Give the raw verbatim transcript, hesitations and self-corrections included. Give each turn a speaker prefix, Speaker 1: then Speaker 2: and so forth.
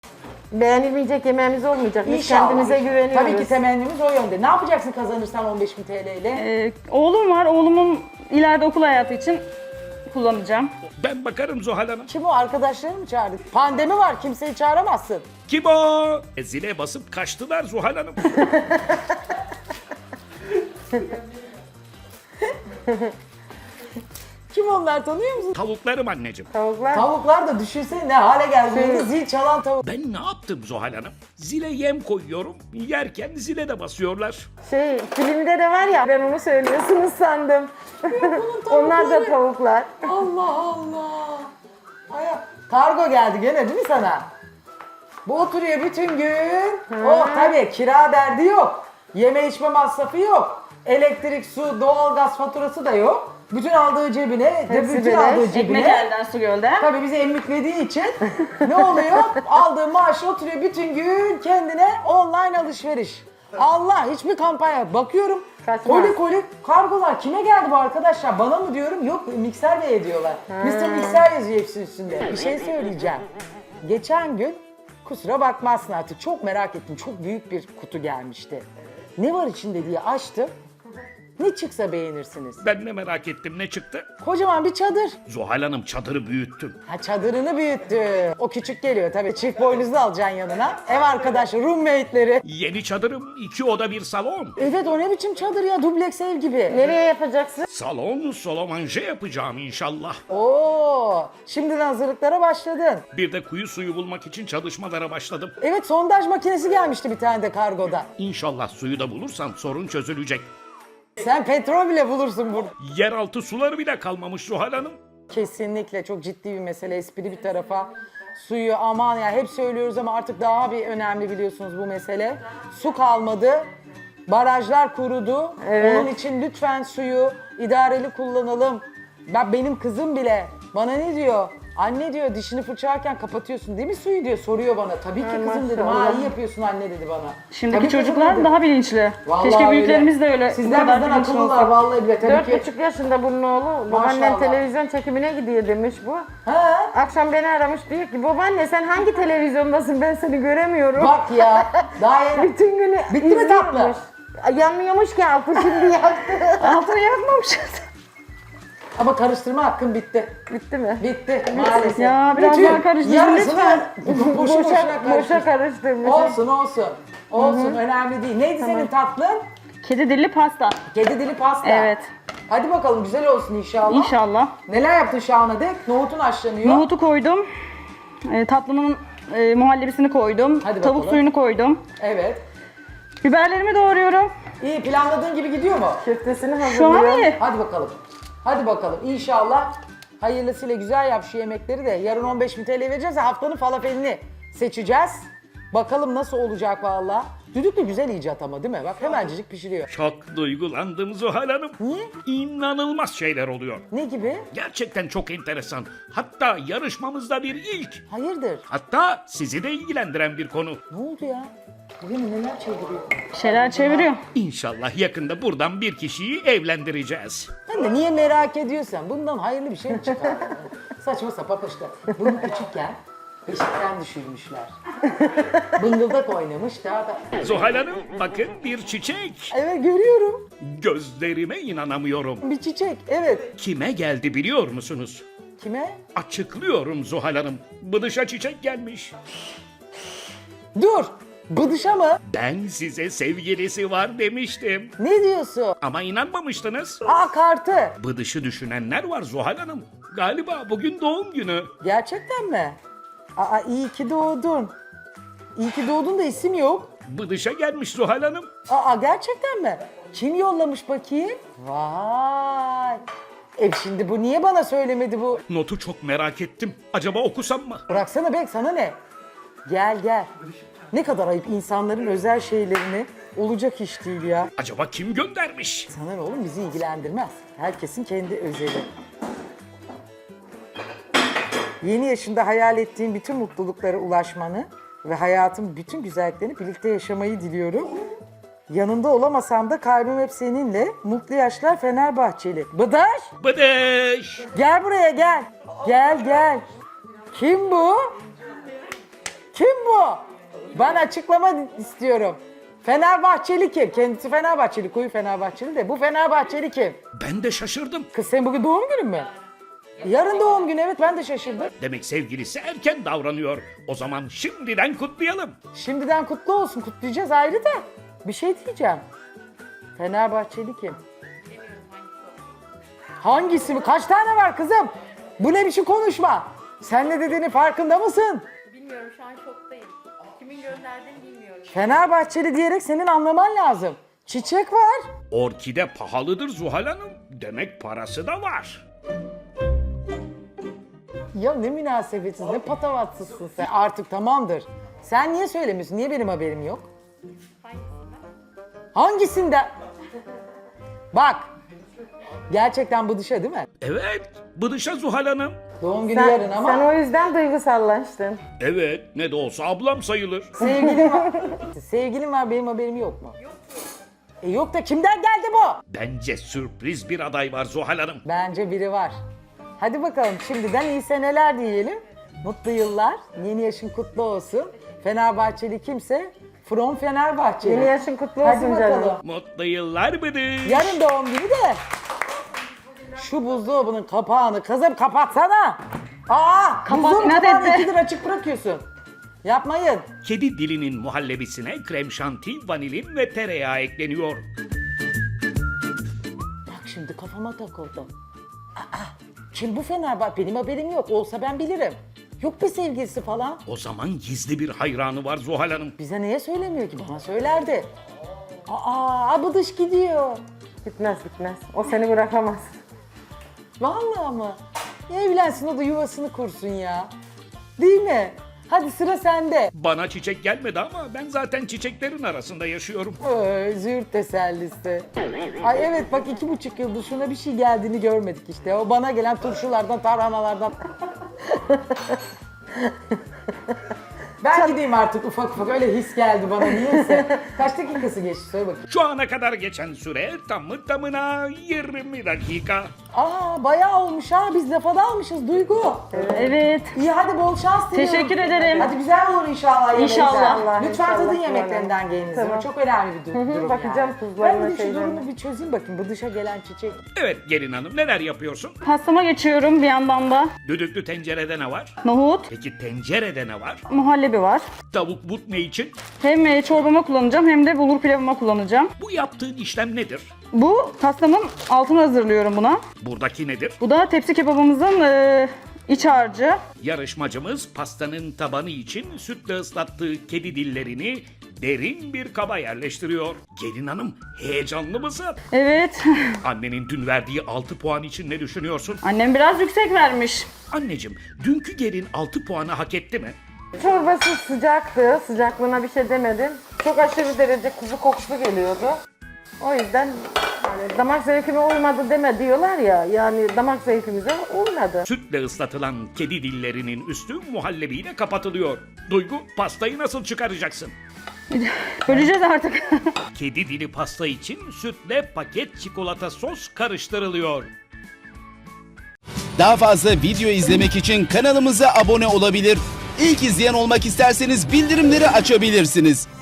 Speaker 1: Beğenilmeyecek yemeğimiz olmayacak. Biz
Speaker 2: İnşallah.
Speaker 1: kendimize güveniyoruz.
Speaker 2: Tabii ki temennimiz o yönde. Ne yapacaksın kazanırsan on beş bin T L ile?
Speaker 3: Ee, oğlum var. Oğlumun ileride okul hayatı için kullanacağım.
Speaker 4: Ben bakarım Zuhal Hanım.
Speaker 2: Kim o? Arkadaşlarını mı çağırdık? Pandemi var. Kimseyi çağıramazsın.
Speaker 4: Kim o? E, zile basıp kaçtılar Zuhal Hanım.
Speaker 2: Kim onlar, tanıyor musun?
Speaker 4: Tavuklarım anneciğim.
Speaker 1: Tavuklar.
Speaker 2: Tavuklar da düşünsene ne hale geldi.
Speaker 1: Şey-
Speaker 2: Zil çalan tavuk.
Speaker 4: Ben ne yaptım Zuhal Hanım? Zile yem koyuyorum. Yerken zile de basıyorlar.
Speaker 1: Şey, filmde de var ya, ben onu söylüyorsunuz sandım. Onlar da tavuklar.
Speaker 2: Allah Allah. Ay, kargo geldi gene değil mi sana? Bu oturuyor bütün gün. Oh tabii kira derdi yok. Yeme içme masrafı yok. Elektrik, su, doğalgaz faturası da yok. Bütün aldığı cebine, de
Speaker 1: Hepsi
Speaker 2: bütün
Speaker 1: beleş.
Speaker 2: aldığı
Speaker 3: Ekmek
Speaker 2: cebine.
Speaker 3: elden su gölden.
Speaker 2: Tabii bizi emmiklediği için ne oluyor? Aldığı maaşı oturuyor bütün gün kendine online alışveriş. Allah, hiçbir kampanya. Bakıyorum
Speaker 1: Kaçmaz.
Speaker 2: koli koli kargolar. Kime geldi bu arkadaşlar? Bana mı diyorum? Yok, Mikser Bey'e diyorlar. mister Mikser yazıyor hepsi üstünde. Bir şey söyleyeceğim. Geçen gün, kusura bakmazsın artık, çok merak ettim. Çok büyük bir kutu gelmişti. Ne var içinde diye açtım. Ne çıksa beğenirsiniz.
Speaker 4: Ben de merak ettim ne çıktı?
Speaker 2: Kocaman bir çadır.
Speaker 4: Zuhal Hanım çadırı büyüttüm.
Speaker 2: Ha, çadırını büyüttü. O küçük geliyor tabii. Çift boynuzlu alacaksın yanına. Ev arkadaşı, roommate'leri.
Speaker 4: Yeni çadırım iki oda bir salon.
Speaker 2: Evet, o ne biçim çadır ya, dubleks ev gibi.
Speaker 1: Nereye yapacaksın?
Speaker 4: Salon solomanje yapacağım inşallah.
Speaker 2: Oo, şimdiden hazırlıklara başladın.
Speaker 4: Bir de kuyu suyu bulmak için çalışmalara başladım.
Speaker 2: Evet, sondaj makinesi gelmişti bir tane de kargoda.
Speaker 4: İnşallah suyu da bulursam sorun çözülecek.
Speaker 2: Sen petrol bile bulursun burada.
Speaker 4: Yeraltı suları bile kalmamış Zuhal Hanım.
Speaker 2: Kesinlikle çok ciddi bir mesele, espri bir tarafa. Suyu aman ya, hep söylüyoruz ama artık daha bir önemli biliyorsunuz bu mesele. Su kalmadı, barajlar kurudu.
Speaker 1: Evet.
Speaker 2: Onun için lütfen suyu idareli kullanalım. Ben, benim kızım bile bana ne diyor? Anne diyor, dişini fırçalarken kapatıyorsun değil mi suyu diyor, soruyor bana. Tabii ki
Speaker 1: Ay,
Speaker 2: kızım dedim.
Speaker 1: maşallah.
Speaker 2: Ha, iyi yapıyorsun anne dedi bana.
Speaker 3: Şimdiki
Speaker 2: Tabii kızım
Speaker 3: çocuklar
Speaker 2: dedim.
Speaker 3: daha bilinçli.
Speaker 2: Vallahi
Speaker 3: Keşke büyüklerimiz de öyle. bu
Speaker 2: Sizler
Speaker 3: kadar
Speaker 2: bizden
Speaker 3: bilinçli
Speaker 2: akıllılar
Speaker 3: olsak.
Speaker 2: vallahi bile tabii
Speaker 1: Dört
Speaker 2: ki.
Speaker 1: buçuk yaşında bunun oğlu. Babaannem
Speaker 2: Maşallah.
Speaker 1: televizyon çekimine gidiyor demiş bu.
Speaker 2: Ha?
Speaker 1: Akşam beni aramış, diyor ki babaanne sen hangi televizyondasın, ben seni göremiyorum.
Speaker 2: Bak ya, daha yeni.
Speaker 1: Bütün günü
Speaker 2: Bitti mi tatlı?
Speaker 1: izliyormuş. Ay, yanmıyormuş ki altı, şimdi yaktı.
Speaker 3: Altını yakmamışız.
Speaker 2: Ama karıştırma hakkın bitti.
Speaker 1: Bitti mi?
Speaker 2: Bitti maalesef.
Speaker 3: Ya, biraz
Speaker 2: Bütün
Speaker 3: daha karıştır
Speaker 2: yarısını
Speaker 3: lütfen.
Speaker 2: boşu boşuna
Speaker 1: Boşa, boşa
Speaker 2: karıştır.
Speaker 1: karıştırmış.
Speaker 2: Olsun olsun. Olsun, önemli değil. Neydi senin tatlın?
Speaker 3: Kedi dilli pasta.
Speaker 2: Kedi dili pasta.
Speaker 3: Evet.
Speaker 2: Hadi bakalım, güzel olsun inşallah.
Speaker 3: İnşallah.
Speaker 2: Neler yaptın Şahane de? Nohutun haşlanıyor.
Speaker 3: Nohutu koydum. E, tatlımın e, muhallebisini koydum.
Speaker 2: Hadi
Speaker 3: Tavuk
Speaker 2: bakalım.
Speaker 3: suyunu koydum.
Speaker 2: Evet.
Speaker 3: Biberlerimi doğruyorum.
Speaker 2: İyi, planladığın gibi gidiyor mu?
Speaker 1: Köftesini
Speaker 3: Şu an
Speaker 1: hazırlıyor.
Speaker 3: iyi.
Speaker 2: Hadi bakalım. Hadi bakalım. İnşallah hayırlısıyla güzel yap şu yemekleri de. Yarın on beş bin T L vereceğiz. Haftanın falafelini seçeceğiz. Bakalım nasıl olacak valla. Düdük de güzel icat ama değil mi? Bak hemencik pişiriyor.
Speaker 4: Çok duygulandım Zuhal Hanım.
Speaker 2: Niye?
Speaker 4: İnanılmaz şeyler oluyor.
Speaker 2: Ne gibi?
Speaker 4: Gerçekten çok enteresan. Hatta yarışmamızda bir ilk.
Speaker 2: Hayırdır?
Speaker 4: Hatta sizi de ilgilendiren bir konu.
Speaker 2: Ne oldu ya? Bugün neler çeviriyor?
Speaker 3: Bir şeyler çeviriyor.
Speaker 4: İnşallah yakında buradan bir kişiyi evlendireceğiz.
Speaker 2: Ben de niye merak ediyorsan bundan hayırlı bir şey mi çıkar? Saçma sapan işte. Bunu küçükken beşikten düşürmüşler. Bıngıldak oynamış daha da.
Speaker 4: Zuhal Hanım bakın bir çiçek.
Speaker 2: Evet, görüyorum.
Speaker 4: Gözlerime inanamıyorum.
Speaker 2: Bir çiçek. Evet.
Speaker 4: Kime geldi biliyor musunuz?
Speaker 2: Kime?
Speaker 4: Açıklıyorum Zuhal Hanım. Bıdışa çiçek gelmiş.
Speaker 2: Dur. Bıdışa mı?
Speaker 4: Ben size sevgilisi var demiştim.
Speaker 2: Ne diyorsun?
Speaker 4: Ama inanmamıştınız.
Speaker 2: Aa, kartı.
Speaker 4: Bıdışı düşünenler var Zuhal Hanım. Galiba bugün doğum günü.
Speaker 2: Gerçekten mi? Aa, iyi ki doğdun. İyi ki doğdun da isim yok.
Speaker 4: Bıdışa gelmiş Zuhal Hanım.
Speaker 2: Aa, gerçekten mi? Kim yollamış bakayım? Vay. E şimdi bu niye bana söylemedi bu?
Speaker 4: Notu çok merak ettim. Acaba okusam mı?
Speaker 2: Bıraksana Bek, sana ne? Gel gel. Ne kadar ayıp, insanların özel şeylerini olacak iş değil ya.
Speaker 4: Acaba kim göndermiş?
Speaker 2: Sana ne oğlum, bizi ilgilendirmez. Herkesin kendi özeli. Yeni yaşında hayal ettiğin bütün mutluluklara ulaşmanı ve hayatın bütün güzelliklerini birlikte yaşamayı diliyorum. Yanında olamasam da kalbim hep seninle. Mutlu yaşlar Fenerbahçeli. Bıdaş,
Speaker 4: Bıdış!
Speaker 2: gel buraya gel. Gel gel. Kim bu? Kim bu? Ben açıklama istiyorum. Fenerbahçeli kim? Kendisi Fenerbahçeli, koyu Fenerbahçeli de. Bu Fenerbahçeli kim?
Speaker 4: Ben de şaşırdım.
Speaker 2: Kız senin bugün doğum günün mü? Yarın doğum günü, evet, ben de şaşırdım.
Speaker 4: Demek sevgilisi erken davranıyor. O zaman şimdiden kutlayalım.
Speaker 2: Şimdiden kutlu olsun, kutlayacağız ayrı da. Bir şey diyeceğim. Fenerbahçeli kim? Hangisi mi? Kaç tane var kızım? Bu ne biçim konuşma? Sen ne dediğinin farkında mısın?
Speaker 5: Bilmiyorum, şu an şoktayım. Kimin gönderdiğini bilmiyorum.
Speaker 2: Fenerbahçeli diyerek senin anlaman lazım. Çiçek var.
Speaker 4: Orkide pahalıdır Zuhal Hanım. Demek parası da var.
Speaker 2: Ya ne münasebetsiz, ne patavatsızsın sen. Artık tamamdır. Sen niye söylemiyorsun? Niye benim haberim yok? Hangisinde? Bak. Gerçekten bu dışa değil mi?
Speaker 4: Evet, bıdışa Zuhal Hanım.
Speaker 2: Doğum günü
Speaker 1: Sen,
Speaker 2: yarın ama
Speaker 1: sen o yüzden duygusallaştın.
Speaker 4: Evet, ne de olsa ablam sayılır.
Speaker 2: sevgilim var. Sevgilim var, benim haberim yok mu? Yok. E yok da kimden geldi bu?
Speaker 4: Bence sürpriz bir aday var Zuhal Hanım.
Speaker 2: Bence biri var. Hadi bakalım, şimdiden iyi seneler diyelim. Mutlu yıllar, yeni yaşın kutlu olsun. Fenerbahçeli kimse from Fenerbahçeli.
Speaker 1: Yeni yaşın kutlu
Speaker 2: Hadi
Speaker 1: olsun
Speaker 2: bakalım.
Speaker 1: canım.
Speaker 4: Mutlu yıllar bıdış.
Speaker 2: Yarın doğum günü de. Şu buzdolabının kapağını kızım kapatsana. Aa,
Speaker 3: Kapat,
Speaker 2: buzdolabı
Speaker 3: inat
Speaker 2: kapağını
Speaker 3: etti.
Speaker 2: ikidir açık bırakıyorsun. Yapmayın.
Speaker 4: Kedi dilinin muhallebisine krem şanti, vanilin ve tereyağı ekleniyor.
Speaker 2: Bak şimdi kafama takıldı. Aa, kim bu Fenerbahçe? Benim haberim yok. Olsa ben bilirim. Yok bir sevgilisi falan.
Speaker 4: O zaman gizli bir hayranı var Zuhal Hanım.
Speaker 2: Bize niye söylemiyor ki? Bana söylerdi. Aa, abıdış gidiyor.
Speaker 1: Gitmez gitmez. O seni bırakamaz.
Speaker 2: Vallahi mı? Evlensin, o da yuvasını kursun ya. Değil mi? Hadi sıra sende.
Speaker 4: Bana çiçek gelmedi ama ben zaten çiçeklerin arasında yaşıyorum.
Speaker 2: Ee, züğürt tesellisi. Ay evet, bak iki buçuk yıldır şuna bir şey geldiğini görmedik işte. O bana gelen turşulardan, tarhanalardan. Ben gideyim artık ufak ufak, öyle his geldi bana niyeyse. Kaç dakikası geçti söyle bakayım.
Speaker 4: Şu ana kadar geçen süre tamı tamına yirmi dakika.
Speaker 2: Aa bayağı olmuş ha, biz lafa dalmışız Duygu.
Speaker 3: Evet.
Speaker 2: İyi hadi, bol şans diliyorum.
Speaker 3: Teşekkür ederim.
Speaker 2: Hadi güzel olur inşallah yemekler.
Speaker 3: İnşallah.
Speaker 2: Lütfen
Speaker 1: İnşallah,
Speaker 2: tadın
Speaker 1: inşallah.
Speaker 2: yemeklerinden geliniz.
Speaker 1: Tamam.
Speaker 2: Çok önemli bir du- durum
Speaker 1: bakacağım
Speaker 2: yani.
Speaker 1: tuzlarına,
Speaker 2: Ben bir şu
Speaker 1: şeylerine.
Speaker 2: durumu bir çözeyim bakayım. Bu dışa gelen çiçek.
Speaker 4: Evet gelin hanım neler yapıyorsun?
Speaker 3: Pastama geçiyorum bir yandan da.
Speaker 4: Düdüklü tencerede ne var?
Speaker 3: Nohut,
Speaker 4: Peki tencerede ne var?
Speaker 3: muhallebi var.
Speaker 4: Tavuk but ne için?
Speaker 3: Hem e, çorbama kullanacağım hem de bulgur pilavıma kullanacağım.
Speaker 4: Bu yaptığın işlem nedir?
Speaker 3: Bu pastamın altını hazırlıyorum buna.
Speaker 4: Buradaki nedir?
Speaker 3: Bu da tepsi kebabımızın e, iç harcı.
Speaker 4: Yarışmacımız pastanın tabanı için sütle ıslattığı kedi dillerini derin bir kaba yerleştiriyor. Gelin hanım heyecanlı mısın?
Speaker 3: Evet.
Speaker 4: Annenin dün verdiği altı puan için ne düşünüyorsun?
Speaker 3: Annem biraz yüksek vermiş.
Speaker 4: Anneciğim dünkü gelin altı puanı hak etti mi?
Speaker 1: Çorbası sıcaktı. Sıcaklığına bir şey demedim. Çok aşırı derece kuzu kokusu geliyordu. O yüzden yani damak zevkime uymadı deme diyorlar ya. Yani damak zevkimize uymadı.
Speaker 4: Sütle ıslatılan kedi dillerinin üstü muhallebiyle kapatılıyor. Duygu pastayı nasıl çıkaracaksın?
Speaker 3: Böleceğiz artık.
Speaker 4: Kedi dili pasta için sütle paket çikolata sos karıştırılıyor.
Speaker 6: Daha fazla video izlemek için kanalımıza abone olabilir. İlk izleyen olmak isterseniz bildirimleri açabilirsiniz.